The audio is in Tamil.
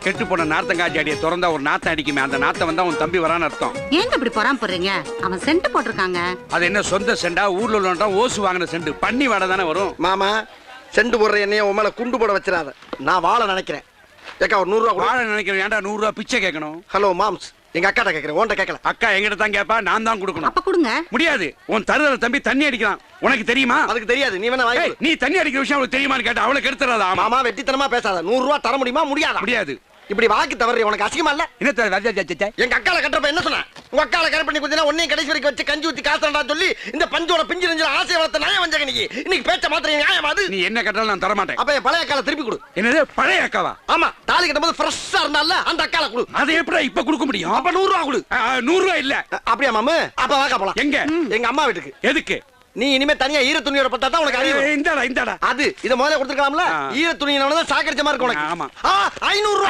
கெட்டு போன நார்த்தங்காய் செடியை திறந்தா ஒரு நாத்தம் அடிக்குமே, அந்த நாத்தம் வந்தா உன் தம்பி வரான்னு அர்த்தம். ஏங்க இப்படி பொறாம போடுறீங்க? அவன் சென்ட் போட்டிருக்காங்க. அது என்ன சொந்த செண்டா, ஊர்ல உள்ளவன்டா ஓசு வாங்கின செண்டு, பண்ணி வாடை தானே வரும். மாமா செண்டு போடுற என்னைய உன் மேல குண்டு போட வச்சிடாத. நான் வாழ நினைக்கிறேன். ஏக்கா ஒரு 100 ரூபா. வாழ நினைக்கிறேன், ஏன்டா 100 ரூபா பிச்சை கேட்கணும்? ஹலோ மாம்ஸ், எங்க அக்காட்ட கேட்கிறேன், உன்கிட்ட கேட்கல. அக்கா எங்கிட்ட தான் கேப்பா, நான் தான் கொடுக்கணும். அப்ப கொடுங்க. முடியாது, உன் தருதல தம்பி தண்ணி அடிக்கிறான், உனக்கு தெரியுமா? அதுக்கு தெரியாது, நீ வேணா வாங்கி கொடு. நீ தண்ணி அடிக்கிற விஷயம் அவளுக்கு தெரியுமான்னு கேட்டா அவளுக்கு எடுத்துறாதா? மாமா வெட்டித்தனமா பேசாத. 100 ரூபா தர முடியுமா? முடியாதா? முடியாது. இப்படி வாக்கி தவறி உனக்கு அசிங்கமா இல்ல? என்ன எங்க அக்கால கட்டப்ப என்ன சொன்ன? உங்க அக்கால கரெக்ட் பண்ணி கொடுத்தா உன்னையும் கடைசி வரைக்கும் வச்சு கஞ்சி ஊத்தி காசுடா சொல்லி இந்த பஞ்சோட பிஞ்சு நெஞ்சில ஆசை வளர்த்த நியாயம் வந்தங்க நீ. இன்னைக்கு பேச்ச மாத்திர நியாயமா அது? நீ என்ன கட்டாலும் நான் தர மாட்டேன். அப்ப என் பழைய அக்கால திருப்பி கொடு. என்னது பழைய அக்காவா? ஆமா, தாலி கட்டும்போது ஃப்ரெஷ்ஷா இருந்தால அந்த அக்கால கொடு. அதை எப்படி இப்ப கொடுக்க முடியும்? அப்ப 100 ரூபா கொடு. 100 ரூபா இல்ல. அப்படியே மாமா, அப்ப வாக்கா போலாம். எங்க? எங்க அம்மா வீட்டுக்கு. எதுக்கு? நீ இனிமே தனியா ஈர துணியோட பட்டா தான் உனக்கு அறிவு. இந்தாடா இந்தாடா. அது இத முதல்ல கொடுத்துக்கலாம்ல. ஈர துணியினால தான் சாக்கடிச்ச மாதிரி இருக்கு உனக்கு. ஆமா. 500 ரூபா.